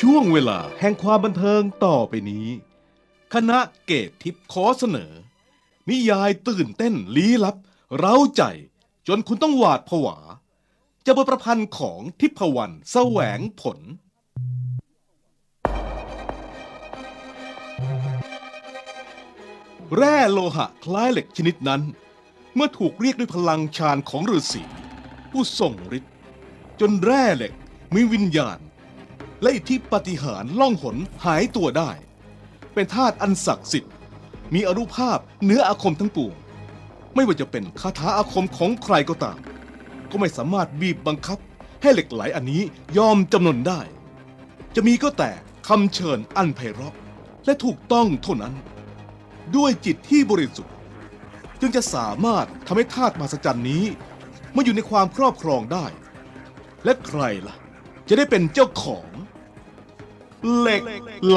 ช่วงเวลาแห่งความบันเทิงต่อไปนี้ คณะเกตทิพย์ขอเสนอ นิยายตื่นเต้นลี้ลับเร้าใจจนคุณต้องหวาดผวาจะบทประพันธ์ของทิพวรรณแสวงผล แร่โลหะคล้ายเหล็กชนิดนั้นเมื่อถูกเรียกด้วยพลังฌานของฤาษีผู้ทรงฤทธิ์จนแร่เหล็กมีวิญญาณและอิทธิปาฏิหาริย์ล่องหนหายตัวได้เป็นธาตุอันศักดิ์สิทธิ์มีอานุภาพเหนืออาคมทั้งปวงไม่ว่าจะเป็นคาถาอาคมของใครก็ตามก็ไม่สามารถบีบบังคับให้เหล็กไหลอันนี้ยอมจำนนได้จะมีก็แต่คำเชิญอันไพเราะและถูกต้องเท่านั้นด้วยจิตที่บริสุทธิ์จึงจะสามารถทำให้ธาตุมหัศจรรย์นี้มาอยู่ในความครอบครองได้และใครล่ะจะได้เป็นเจ้าของเหล็กไหล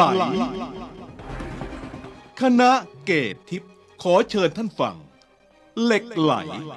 คณะเกตทิพย์ขอเชิญท่านฟังเหล็กไหล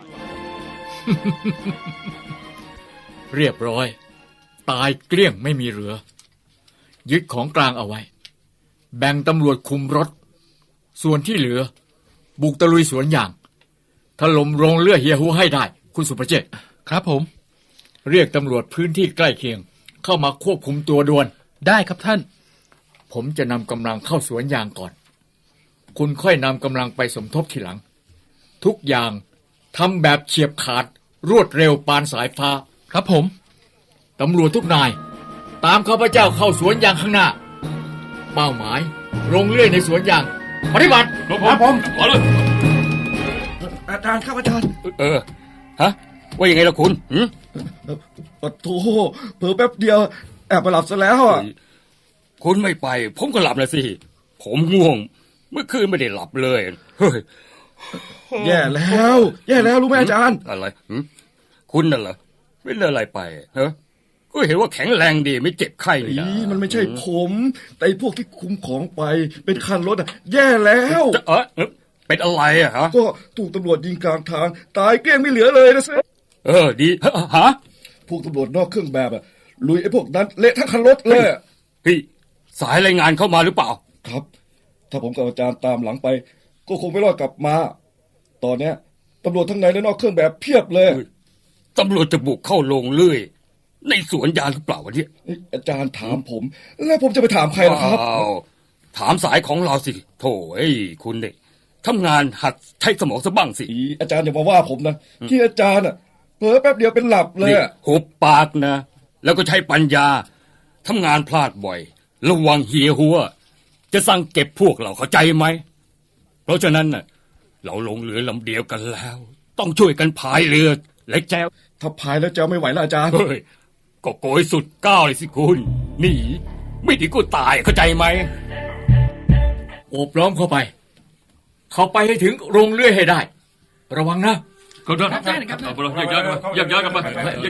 เรียบร้อยตายเกลี้ยงไม่มีเหลือยึดของกลางเอาไว้แบ่งตำรวจคุมรถส่วนที่เหลือบุกตะลุยสวนยางถล่มโรงเลือดเฮียฮูให้ได้คุณสุประเจษครับผมเรียกตำรวจพื้นที่ใกล้เคียงเข้ามาควบคุมตัวด่วนได้ครับท่านผมจะนำกำลังเข้าสวนยางก่อนคุณค่อยนำกำลังไปสมทบทีหลังทุกอย่างทำแบบเฉียบขาดรวดเร็วปานสายฟ้าครับผมตำรวจทุกนายตามข้าพเจ้าเข้าสวนยางข้างหน้าเป้าหมายโรงเลื่อยในสวนยางปฏิบัติครับผมขอเลยอาจารย์ครับอาจารย์ฮะว่ายังไงล่ะคุณปะโถเผลอแป๊บเดียวแอบไปหลับซะแล้วอ่ะคุณไม่ไปผมก็หลับเลยสิผมง่วงเมื่อคืนไม่ได้หลับเลยเฮ้ยแย่แล้วรู้ไหมอาจารย์อะไรคุณน่ะเหรอไม่เลิกอะไรไปฮะก็เห็นว่าแข็งแรงดีไม่เจ็บไข้นี่นะมันไม่ใช่ผมแต่พวกที่คุมของไปเป็นคันรถอ่ะแย่แล้วเป็นอะไรอ่ะฮะก็ถูกตำรวจยิงกลางทางตายเกลี้ยงไม่เหลือเลยนะสิดีฮะพวกตำรวจนอกเครื่องแบบอ่ะลุยไอ้พวกนั้นเละทั้งคันรถเลยพี่สายรายงานเข้ามาหรือเปล่าครับถ้าผมกับอาจารย์ตามหลังไปก็คงไม่รอดกลับมาตอนเนี้ยตำรวจทั้งในและนอกเครื่องแบบเพียบเลยตำรวจจะบุกเข้าโรงเลื่อยในสวนยางหรือเปล่าวะเนี่ยอาจารย์ถามผมแล้วผมจะไปถามใครล่ะครับถามสายของเราสิโถ่คุณเนี่ยทำงานหัดใช้สมองซะบ้างสิอาจารย์อย่ามาว่าผมนะที่อาจารย์อ่ะเผลอแป๊บเดียวเป็นหลับเลยหุบปากนะแล้วก็ใช้ปัญญาทำงานพลาดบ่อยระวังเหียหัวจะสั่งเก็บพวกเราเข้าใจไหมเพราะฉะนั้นน่ะเราลงเรือลำเดียวกันแล้วต้องช่วยกันพายเรือและแจวถ้าพายแล้วแจวไม่ไหวแล้วอาจารย์ก็โกยสุดก้าวเลยสิคุณหนีไม่ดีก็ตายเข้าใจไหมโอบล้อมเข้าไปให้ถึงโรงเลื่อยให้ได้ระวังนะก็ได้ครับยักย้ายกัน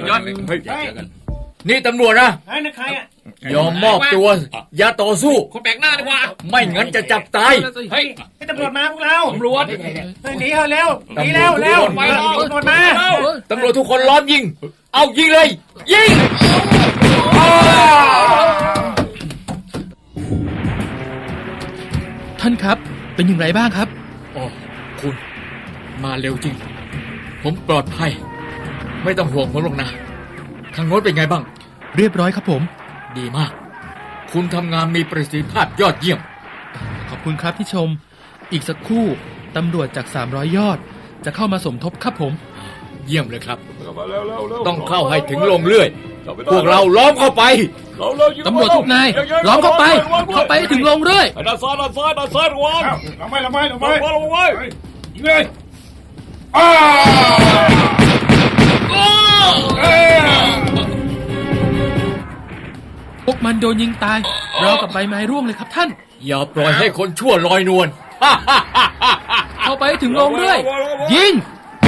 นี่ตำรวจนะยอมมอบตัวอย่าต่อสู้คนแปลกหน้าดีกว่าไม่งั้นจะจับตายให้ตำรวจมาพวกเราตำรวจหนีเร็วตำรวจมาตำรวจทุกคนล้อมยิงเอายิงเลยยิงท่านครับเป็นอย่างไรบ้างครับอ๋อคุณมาเร็วจริงผมปลอดภัยไม่ต้องห่วงผมหรอกนะทางโน้นเป็นไงบ้างเรียบร้อยครับผมดีมากคุณทำงานมีประสิทธิภาพยอดเยี่ยมขอบคุณครับที่ชมอีกสักครู่ตำรวจจาก300ยอดจะเข้ามาสมทบครับผมเยี่ยมเลยครับต้องเข้าให้ถึงโรงเลื่อยพวกเราล้อมเข้าไปตำรวจทุกนายล้อมเข้าไปถึงโรงเลื่อยด้านซ้ายระวังลงไปยิงเลยพวกมันโดนยิงตายเรากับใบไม้ร่วงเลยครับท่านอย่าปล่อยให้คนชั่วลอยนวลเข้าไปถึงโรงเลื่อยยิง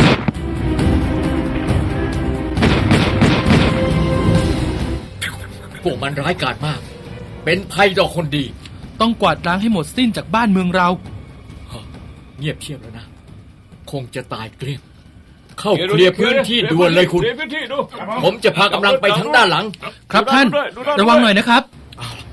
พวกมันร้ายกาจมากเป็นภัยต่อคนดีต้องกวาดล้างให้หมดสิ้นจากบ้านเมืองเราเงียบเชียบแล้วนะคงจะตายเกลี้ยงเข้าเคลียร์พื้นที่ด่วนเลยคุณผมจะพากำลังไปทั้งด้านหลังครับท่านระวังหน่อยนะครับ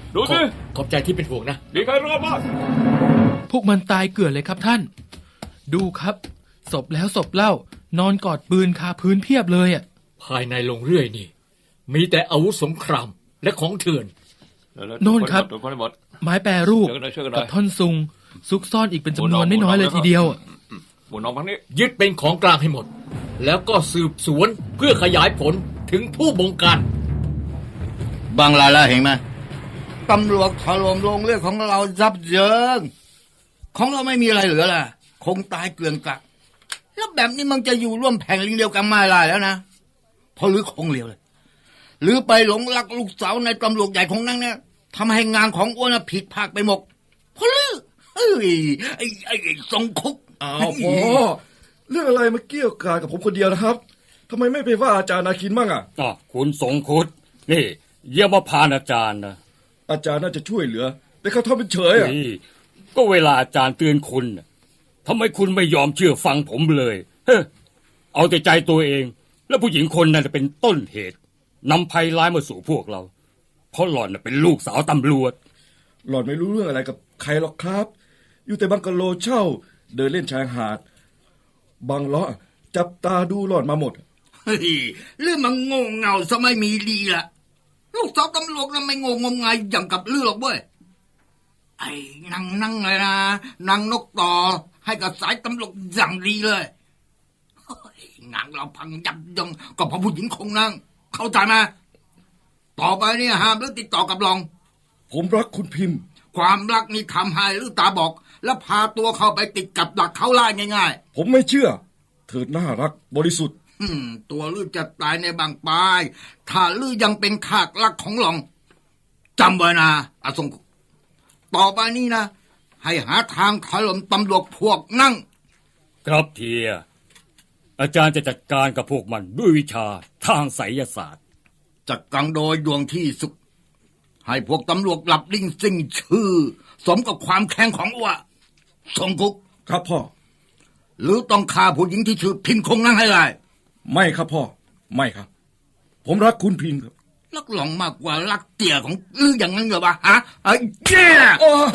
ดูขอสิขอบใจที่เป็นห่วงนะมีใครรอดบ้างพวกมันตายเกลื่อนเลยครับท่าน ดูครับศพแล้วศพเล่านอนกอดปืนคาพื้นเพียบเลยอ่ะภายในโรงเรื่อยนี่ มีแต่อาวุธสงครามและของเถื่อนโน่นครับโดนคนให้หมดไม้แปรรูปช่วยกันหน่อยกับท่อนซุง ซุกซ่อนอีกเป็นจำนวนไม่น้อยเลยทีเดียวอะหมุนออกทางนี้ยึดเป็นของกลางให้หมด แล้วก็สืบสวนเพื่อขยายผลถึงผู้บงการบางรายแล้วเห็นไหมตำรวจถล่มโรงเรือนของเรายับเยิงของเราไม่มีอะไรเหลือละคงตายเกลื่อนกลัดแล้วแบบนี้มันจะอยู่ร่วมแผ่นลิงเดียวกันไม่ได้แล้วนะเพราะหรือคงเหลวเลยหรือไปหลงรักลูกสาวในตำรวจใหญ่ของนั่งเนี่ยทำให้งานของอ้วนน่ะผิดพลาดไปหมดเพราะหรือเอ้ยไอ้ทรงคุกอ้าวพ่อเรื่องอะไรมาเกี่ยวกากับผมคนเดียวนะครับทำไมไม่ไปว่าอาจารย์นาคินมั่งอ่ะคุณสงคุดนี่เยี่ยมมาพานอาจารย์นะอาจารย์น่าจะช่วยเหลือ แต่เขาทำเป็นเฉยอ่ะนี่ก็เวลาอาจารย์เตือนคุณน่ะทำไมคุณไม่ยอมเชื่อฟังผมเลยเฮ้อเอาแต่ใจตัวเอง แล้วผู้หญิงคนนั้นเป็นต้นเหตุนำภัยร้ายมาสู่พวกเรา เพราะหล่อนน่ะเป็นลูกสาวตำรวจหล่อนไม่รู้เรื่องอะไรกับใครหรอกครับ อยู่แต่บังกะโลเช่า เดินเล่นชายหาดบางล้อจับตาดูหล่อนมาหมดเฮ้ยเรื่องมันโง่เง่าซะไม่มีดีละลูกสาวตำรวจน่ะไม่โง่งมงายอย่างกับลือหรอกเว้ยไอ้นั่งเลยนะนางนกต่อให้กับสายตำรวจอย่างดีเลยเฮ้ยงานเราพังยับยั้งก็เพราะผู้หญิงคงนั่งเข้าใจไหมต่อไปเนี่ยห้ามเลิกติดต่อกับลองผมรักคุณพิมพ์ความรักนี่ทำให้ลือตาบอก แล้วพาตัวเข้าไปติดกับหลักเขาไล่ง่ายผมไม่เชื่อ เธอน่ารักบริสุทธิ์ๆตัวลือจะตายในบางปลาย ถ้าลือยังเป็นขากรักของหลองจำไว้นะอาสงต่อไปนี้นะ ให้หาทางถล่มตำรวจพวกนั่งครับเทียอาจารย์จะจัดการกับพวกมันด้วยวิชาทางไสยศาสตร์จัดการโดยดวงที่สุด ให้พวกตำรวจหลับลิ่งสิ้นชื่อ สมกับความแข็งของอ้วสงคุกครับพ่อหรือต้องฆ่าผู้หญิงที่ชื่อพินคงนั่งให้ได้ไม่ครับพ่อ ไม่ครับ ผมรักคุณพิมพ์ครับรักหลองมากกว่ารักเตี่ยของลืออย่างนั้นเหรอวะฮะไอ้เจ้า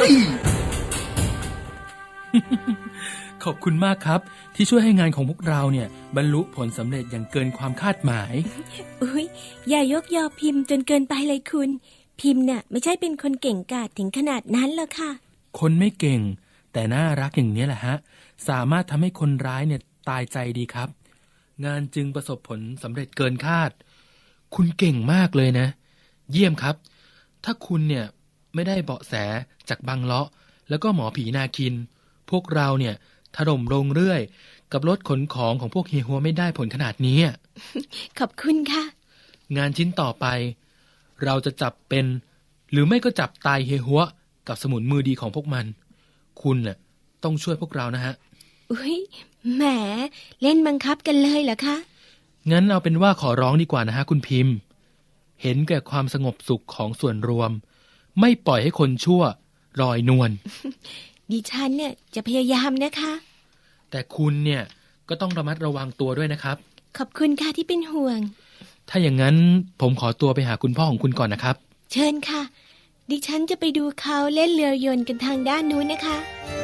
ขอบคุณมากครับ ที่ช่วยให้งานของพวกเราเนี่ยบรรลุผลสำเร็จอย่างเกินความคาดหมายอุ๊ยอย่ายกยอพิมพ์จนเกินไปเลยคุณ พิมพ์น่ะไม่ใช่เป็นคนเก่งกาจถึงขนาดนั้นหรอกค่ะคนไม่เก่ง แต่น่ารักอย่างนี้แหละฮะสามารถทำให้คนร้ายเนี่ยตายใจดีครับ งานจึงประสบผลสำเร็จเกินคาด คุณเก่งมากเลยนะ เยี่ยมครับ ถ้าคุณเนี่ยไม่ได้เบาะแสจากบังเลาะแล้วก็หมอผีนาคิน พวกเราเนี่ยถล่มโรงเรื่อย กับรถขนของของพวกเฮียหัวไม่ได้ผลขนาดนี้ขอบคุณค่ะงานชิ้นต่อไป เราจะจับเป็น หรือไม่ก็จับตายเฮียหัวกับสมุนมือดีของพวกมัน คุณน่ะต้องช่วยพวกเรานะฮะอุ๊ยแหมเล่นบังคับกันเลยเหรอคะงั้นเอาเป็นว่าขอร้องดีกว่านะฮะคุณพิมพ์ เห็นแก่ความสงบสุขของส่วนรวม ไม่ปล่อยให้คนชั่วลอยนวลดิฉันเนี่ยจะพยายามนะคะแต่คุณเนี่ยก็ต้องระมัดระวังตัวด้วยนะครับขอบคุณค่ะที่เป็นห่วงถ้าอย่างนั้นผมขอตัวไปหาคุณพ่อของคุณก่อนนะครับเชิญค่ะ ดิฉันจะไปดูเขาเล่นเรือยนต์กันทางด้านนู้นนะคะ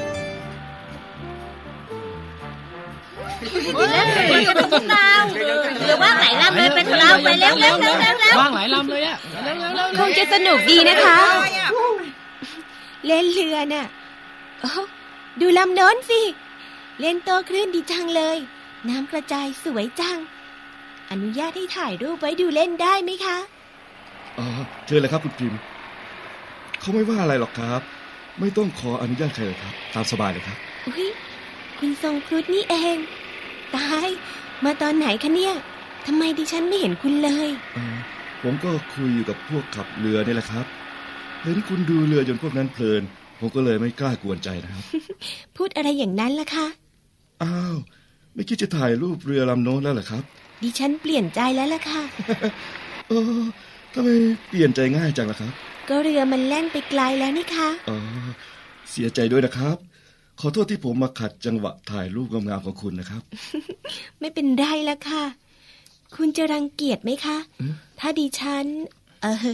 หรือว่าไหลลำเลยเป็นเราไปเร็วเร็วเร็วเร็วเร็วว่างหลายลำเลยอะคงจะสนุกดีนะคะ เล่นเรือน่ะโอ้ดูลำโน้นสิ เล่นโต้คลื่นดีจังเลย น้ำกระจายสวยจัง อนุญาตให้ถ่ายรูปไว้ดูเล่นได้ไหมคะอ๋อเชิญเลยครับคุณพิมพ์ เขาไม่ว่าอะไรหรอกครับ ไม่ต้องขออนุญาตใครเลยครับ ตามสบายเลยครับอุ๊ยคุณทรงครุฑนี่เอง ตาย มาตอนไหนคะเนี่ยทำไมดิฉันไม่เห็นคุณเลยผมก็คุยอยู่กับพวกขับเรือนี่แหละครับ เห็นคุณดูเรือจนพวกนั้นเพลิน ผมก็เลยไม่กล้ากวนใจนะครับพูดอะไรอย่างนั้นล่ะคะอ้าว ไม่คิดจะถ่ายรูปเรือลำโน้นแล้วเหรอครับดิฉันเปลี่ยนใจแล้วล่ะค่ะเออทำไมเปลี่ยนใจง่ายจังล่ะครับก็เรือมันแล่นไปไกลแล้วนี่คะอ๋อ เสียใจด้วยนะครับ ขอโทษที่ผมมาขัดจังหวะถ่ายรูปงามๆของคุณนะครับไม่เป็นไรละค่ะ คุณจะรังเกียจไหมคะ ถ้าดิฉัน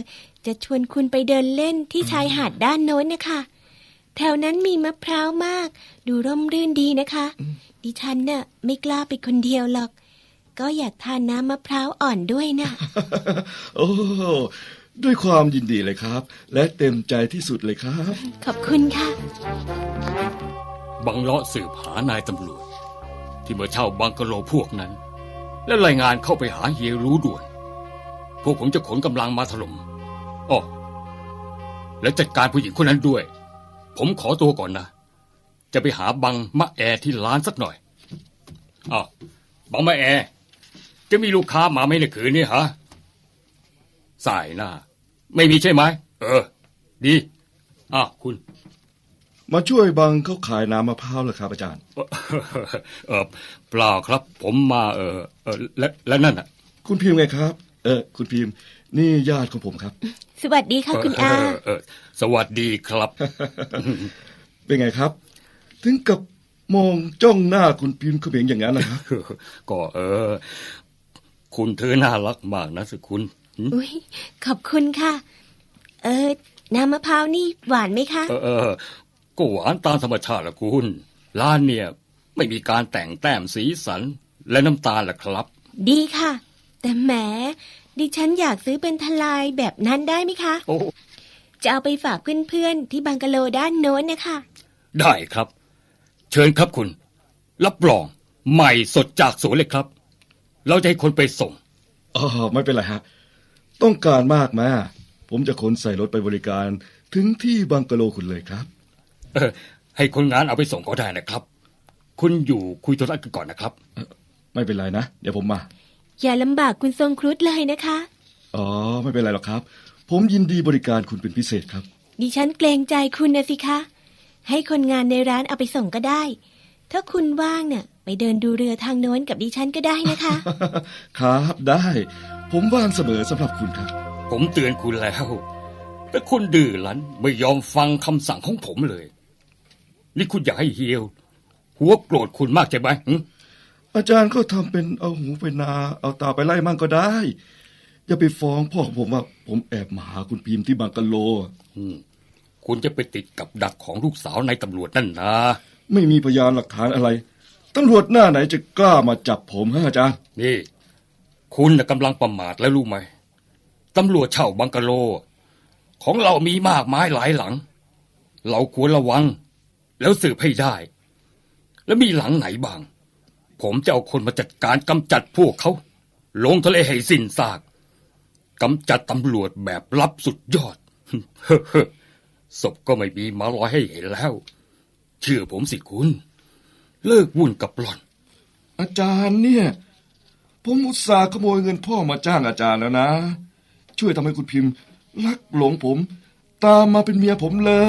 จะชวนคุณไปเดินเล่นที่ชายหาดด้านโน้นนะคะแถวนั้นมีมะพร้าวมากดูร่มรื่นดีนะคะดิฉันน่ะไม่กล้าไปคนเดียวหรอกก็อยากทานน้ำมะพร้าวอ่อนด้วยนะโอ้ด้วยความยินดีเลยครับ และเต็มใจที่สุดเลยครับขอบคุณค่ะบังเลาะสืบหานายตำรวจที่มาเช่าบังกะโลพวกนั้น และรายงานเข้าไปหาเฮียรู้ด่วนพวกผมจะขนกำลังมาถล่มอ้อและจัดการผู้หญิงคนนั้นด้วยผมขอตัวก่อนนะจะไปหาบังมะแอที่ร้านสักหน่อยอ้าวบังมะแอจะมีลูกค้ามาไหมในคืนนี้ฮะสายหน้าไม่มีใช่ไหมดีอ้าวคุณมาช่วยบังเขาขายน้ำมะพร้าวเหรอครับอาจารย์เปล่าครับผมมาและนั่นน่ะคุณพิมพ์ไงครับคุณพิมพ์นี่ญาติของผมครับสวัสดีค่ะคุณอาสวัสดีครับเป็นไงครับ ถึงกับมองจ้องหน้าคุณพิมพ์เขม็งอย่างนั้นนะครับก็คุณเธอน่ารักมากนะสิคุณอุ๊ยขอบคุณค่ะน้ำมะพร้าวนี่หวานไหมคะก็หวานตามธรรมชาติละคุณร้านเนี่ยไม่มีการแต่งแต้มสีสันและน้ำตาลล่ะครับดีค่ะแต่แหมดิฉันอยากซื้อเป็นทลายแบบนั้นได้ไหมคะจะเอาไปฝากเพื่อนๆที่บังกะโลด้านโน้นนะคะได้ครับเชิญครับคุณรับรองใหม่สดจากสวนเลยครับเราจะให้คนไปส่งไม่เป็นไรฮะต้องการมากมาผมจะขนใส่รถไปบริการถึงที่บังกะโลคุณเลยครับให้คนงานเอาไปส่งก็ได้นะครับคุณอยู่คุยธุระกันก่อนนะครับไม่เป็นไรนะเดี๋ยวผมมาอย่าลำบากคุณทรงครุฑเลยนะคะไม่เป็นไรหรอกครับผมยินดีบริการคุณเป็นพิเศษครับดิฉันเกรงใจคุณนะสิคะให้คนงานในร้านเอาไปส่งก็ได้ถ้าคุณว่างเนี่ยไปเดินดูเรือทางโน้นกับดิฉันก็ได้นะคะครับได้ผมว่างเสมอสำหรับคุณครับผมเตือนคุณแล้วแต่คุณดื้อรั้นไม่ยอมฟังคำสั่งของผมเลยนี่คุณอยากให้เฮียวหัวโกรธคุณมากใช่ไหมอาจารย์ก็ทำเป็นเอาหูไปนาเอาตาไปไล่มั่งก็ได้อย่าไปฟ้องพ่อของผมว่าผมแอบมาหาคุณพิมพ์ที่บังกะโลคุณจะไปติดกับดักของลูกสาวนายตำรวจนั่นนะไม่มีพยานหลักฐานอะไรตำรวจหน้าไหนจะกล้ามาจับผมฮะอาจารย์นี่คุณกำลังประมาทแล้วรู้ไหมตำรวจเช่าบังกะโลของเรามีมากมายหลายหลังเราควรระวังแล้วสืบให้ได้แล้วมีหลังไหนบ้างผมจะเอาคนมาจัดการกำจัดพวกเขาลงทะเลให้สิ้นซากกำจัดตำรวจแบบลับสุดยอด ศพก็ไม่มีมาลอยให้เห็นแล้วเชื่อผมสิคุณเลิกวุ่นกับหล่อนอาจารย์เนี่ยผมอุตส่าห์ขโมยเงินพ่อมาจ้างอาจารย์แล้วนะช่วยทำให้คุณพิมพ์รักหลงผมตามมาเป็นเมียผมเลย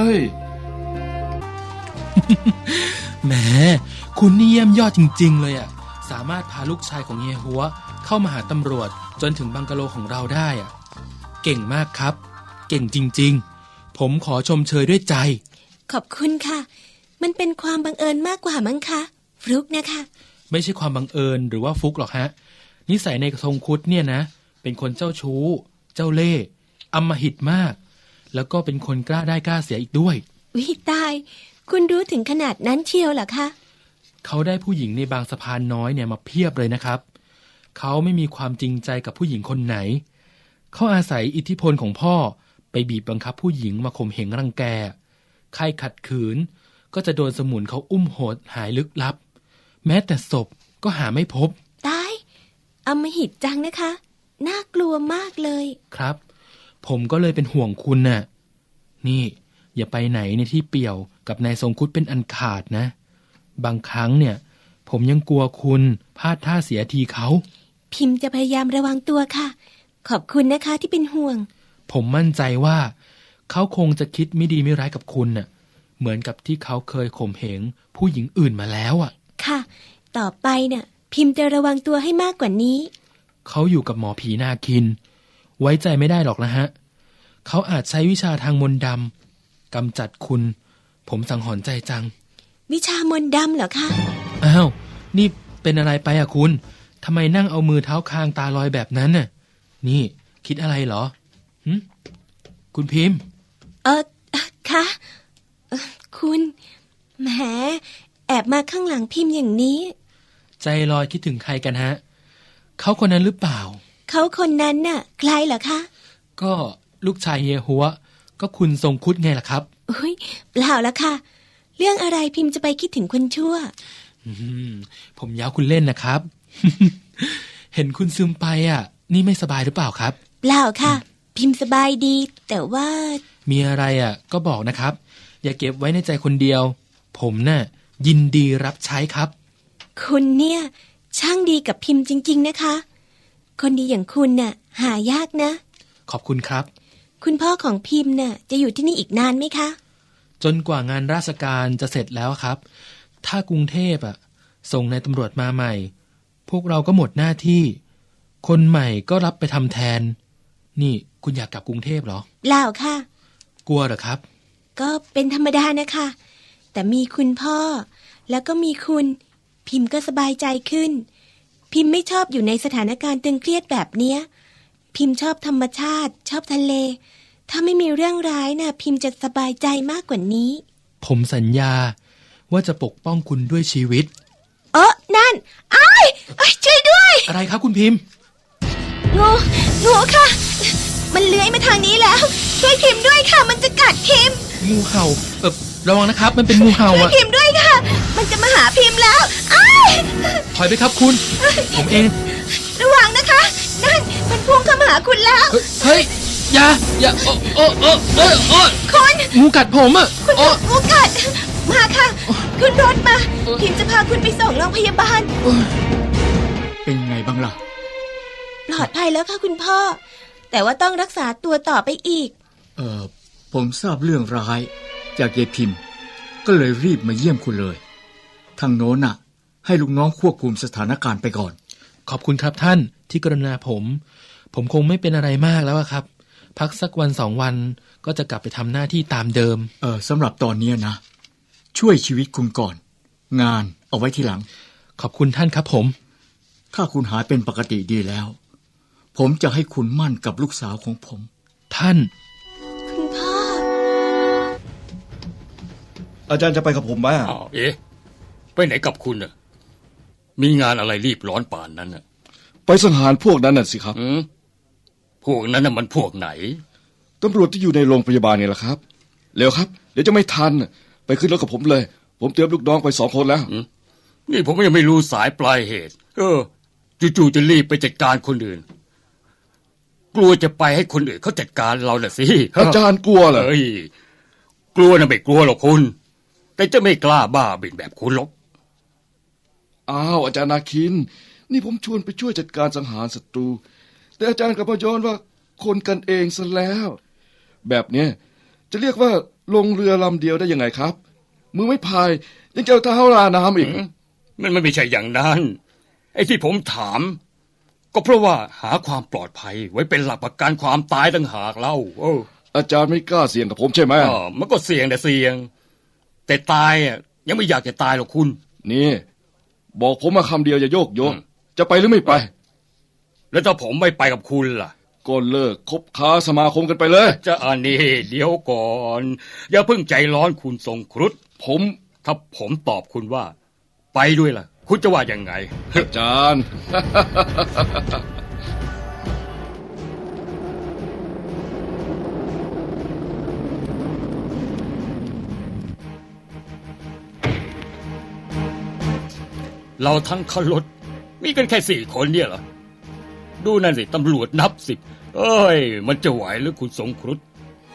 แหมคุณนี่เยี่ยมยอดจริงๆเลยอ่ะสามารถพาลูกชายของเฮียหัวเข้ามาหาตำรวจจนถึงบังกะโลของเราได้อ่ะเก่งมากครับเก่งจริงๆผมขอชมเชยด้วยใจขอบคุณค่ะมันเป็นความบังเอิญมากกว่ามั้งคะฟลุกนะคะไม่ใช่ความบังเอิญหรือว่าฟลุกหรอกฮะนิสัยในทรงครุฑเนี่ยนะเป็นคนเจ้าชู้เจ้าเล่ห์อำมหิตมากแล้วก็เป็นคนกล้าได้กล้าเสียอีกด้วยวิตายคุณรู้ถึงขนาดนั้นเชียวเหรอคะเขาได้ผู้หญิงในบางสะพานน้อยเนี่ยมาเพียบเลยนะครับเขาไม่มีความจริงใจกับผู้หญิงคนไหนเขาอาศัยอิทธิพลของพ่อไปบีบบังคับผู้หญิงมาข่มเหงรังแกใครขัดขืนก็จะโดนสมุนเขาอุ้มโหดหายลึกลับแม้แต่ศพก็หาไม่พบตายอำมหิตจังนะคะน่ากลัวมากเลยครับผมก็เลยเป็นห่วงคุณน่ะนี่อย่าไปไหนในที่เปี่ยวกับนายทรงครุฑเป็นอันขาดนะบางครั้งเนี่ยผมยังกลัวคุณพลาดท่าเสียทีเขาพิมพ์จะพยายามระวังตัวค่ะขอบคุณนะคะที่เป็นห่วงผมมั่นใจว่าเขาคงจะคิดไม่ดีไม่ร้ายกับคุณน่ะเหมือนกับที่เขาเคยข่มเหงผู้หญิงอื่นมาแล้วอ่ะค่ะต่อไปเนี่ยพิมพ์จะระวังตัวให้มากกว่านี้เขาอยู่กับหมอผีนาคินไว้ใจไม่ได้หรอกนะฮะเขาอาจใช้วิชาทางมนต์ดำกำจัดคุณผมสังหรณ์ใจจังวิชามนต์ดำเหรอคะอ้าวนี่เป็นอะไรไปอ่ะคุณทำไมนั่งเอามือเท้าคางตาลอยแบบนั้นน่ะนี่คิดอะไรเหรอคุณพิมพ์คะคุณแหมแอบมาข้างหลังพิมพ์อย่างนี้ใจลอยคิดถึงใครกันฮะเขาคนนั้นหรือเปล่าเขาคนนั้นน่ะใครเหรอคะก็ลูกชายเฮียหัวก็คุณทรงคุดไงล่ะครับอุ้ยเปล่าละค่ะ เรื่องอะไรพิมพ์จะไปคิดถึงคนชั่วผมย้าวคุณเล่นนะครับ เห็นคุณซึมไปอ่ะ นี่ไม่สบายหรือเปล่าครับเปล่าค่ะ พิมพ์สบายดี แต่ว่ามีอะไรอ่ะ ก็บอกนะครับ อย่าเก็บไว้ในใจคนเดียว ผมน่ะยินดีรับใช้ครับคุณเนี่ยช่างดีกับพิมพ์จริงๆนะคะ คนดีอย่างคุณน่ะหายากนะขอบคุณครับคุณพ่อของพิมพ์น่ะจะอยู่ที่นี่อีกนานไหมคะจนกว่างานราชการจะเสร็จแล้วครับ ถ้ากรุงเทพอ่ะส่งนายตำรวจมาใหม่ พวกเราก็หมดหน้าที่ คนใหม่ก็รับไปทำแทน นี่คุณอยากกลับกรุงเทพเหรอเปล่าค่ะกลัวเหรอครับก็เป็นธรรมดานะคะ แต่มีคุณพ่อ แล้วก็มีคุณ พิมพ์ก็สบายใจขึ้น พิมพ์ไม่ชอบอยู่ในสถานการณ์ตึงเครียดแบบเนี้ย พิมพ์ชอบธรรมชาติ ชอบทะเล ถ้าไม่มีเรื่องร้ายน่ะ พิมพ์จะสบายใจมากกว่านี้ผมสัญญาว่าจะปกป้องคุณด้วยชีวิตนั่นอ้ายช่วยด้วยอะไรครับคุณพิมพ์งูค่ะ มันเลื้อยมาทางนี้แล้ว ช่วยพิมพ์ด้วยค่ะ มันจะกัดพิมพ์งูเห่าระวังนะครับ มันเป็นงูเห่าช่วยอ่ะพิมพ์ด้วยค่ะ มันจะมาหาพิมพ์แล้วอ้ายถอยไปครับคุณ ผมเองระวังนะคะ นั่นมันพุ่งเข้ามาหาคุณแล้วเฮ้ยอย่าคุณงูกัดผมอ่ะคุณถูกงูกัด มาค่ะ ขึ้นรถมา พิมพ์จะพาคุณไปส่งโรงพยาบาลเป็นไงบ้างล่ะปลอดภัยแล้วค่ะคุณพ่อ แต่ว่าต้องรักษาตัวต่อไปอีกผมทราบเรื่องร้ายจากยายพิมพ์ ก็เลยรีบมาเยี่ยมคุณเลย ทางโน้นน่ะ ให้ลูกน้องควบคุมสถานการณ์ไปก่อนขอบคุณครับท่านที่กรุณาผมคงไม่เป็นอะไรมากแล้วอะครับ พักสักวัน2 วันก็จะกลับไปทำหน้าที่ตามเดิมสำหรับตอนนี้นะ ช่วยชีวิตคุณก่อน งานเอาไว้ทีหลังขอบคุณท่านครับผมถ้าคุณหายเป็นปกติดีแล้ว ผมจะให้คุณมั่นกับลูกสาวของผมท่านคุณพ่ออาจารย์จะไปกับผมไหมอ้าวไปไหนกับคุณน่ะมีงานอะไรรีบร้อนป่านนั้นน่ะไปสังหารพวกนั้นน่ะสิครับพวกนั้นน่ะมันพวกไหนตำรวจที่อยู่ในโรงพยาบาลนี่แหละครับเร็วครับ เดี๋ยวจะไม่ทันไปขึ้นรถกับผมเลย ผมเตรียมลูกน้องไป2 คนแล้วนี่ผมยังไม่รู้สายปลายเหตุจู่ๆจะรีบไปจัดการคนอื่น กลัวจะไปให้คนอื่นเขาจัดการเราน่ะสิอาจารย์กลัวเหรอเฮ้ยกลัวนะไม่กลัวหรอกคุณ แต่จะไม่กล้าบ้าบินแบบคุณหรอกอ้าวอาจารย์นาคิน นี่ผมชวนไปช่วยจัดการสังหารศัตรู แต่อาจารย์กลับมาย้อนว่าคนกันเองซะแล้ว แบบเนี้ยจะเรียกว่าลงเรือลำเดียวได้ยังไงครับ มือไม่พายยังจะเอาเท้าราน้ำอีกมันไม่ใช่อย่างนั้นไอ้ที่ผมถาม ก็เพราะว่าหาความปลอดภัยไว้เป็นหลักประกันความตายต่างหากเล่าอาจารย์ไม่กล้าเสี่ยงกับผมใช่ไหมมันก็เสี่ยงแต่เสี่ยง แต่ตายยังไม่อยากจะตายหรอกคุณนี่บอกผมมาคำเดียวอย่าโยกโยนจะไปหรือไม่ไปแล้วถ้าผมไม่ไปกับคุณล่ะก็เลิกคบค้าสมาคมกันไปเลยจะอันนี้เดี๋ยวก่อน อย่าเพิ่งใจร้อนคุณทรงครุฑถ้าผมตอบคุณว่า ไปด้วยล่ะ คุณจะว่ายังไงอาจารย์เราทั้งขรถมีกันแค่4 คนเนี่ยเหรอ ดูนั่นสิตำรวจนับ10เอ้ย มันจะไหวหรือคุณทรงครุฑ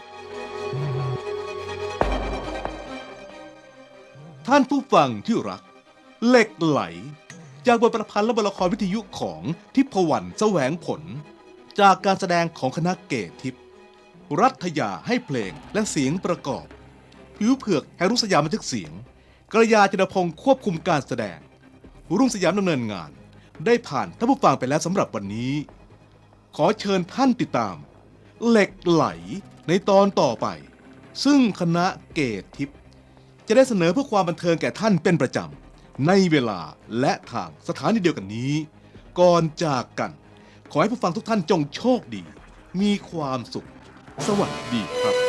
ท่านผู้ฟังที่รัก เหล็กไหล จากบทประพันธ์และบทละครวิทยุของทิพวรรณแสวงผล จากการแสดงของคณะเกตทิพย์รัฐยาให้เพลงและเสียงประกอบผิวเผือกแห่งรุ่งสยามบันทึกเสียงกระยาจินพงศ์ควบคุมการแสดงรุ่งสยามดำเนินงานได้ผ่านท่านผู้ฟังไปแล้วสำหรับวันนี้ ขอเชิญท่านติดตาม เหล็กไหลในตอนต่อไป ซึ่งคณะเกตทิพย์จะได้เสนอเพื่อความบันเทิงแก่ท่านเป็นประจำในเวลาและทางสถานีเดียวกันนี้ ก่อนจากกัน ขอให้ผู้ฟังทุกท่านจงโชคดี มีความสุขสวัสดีครับ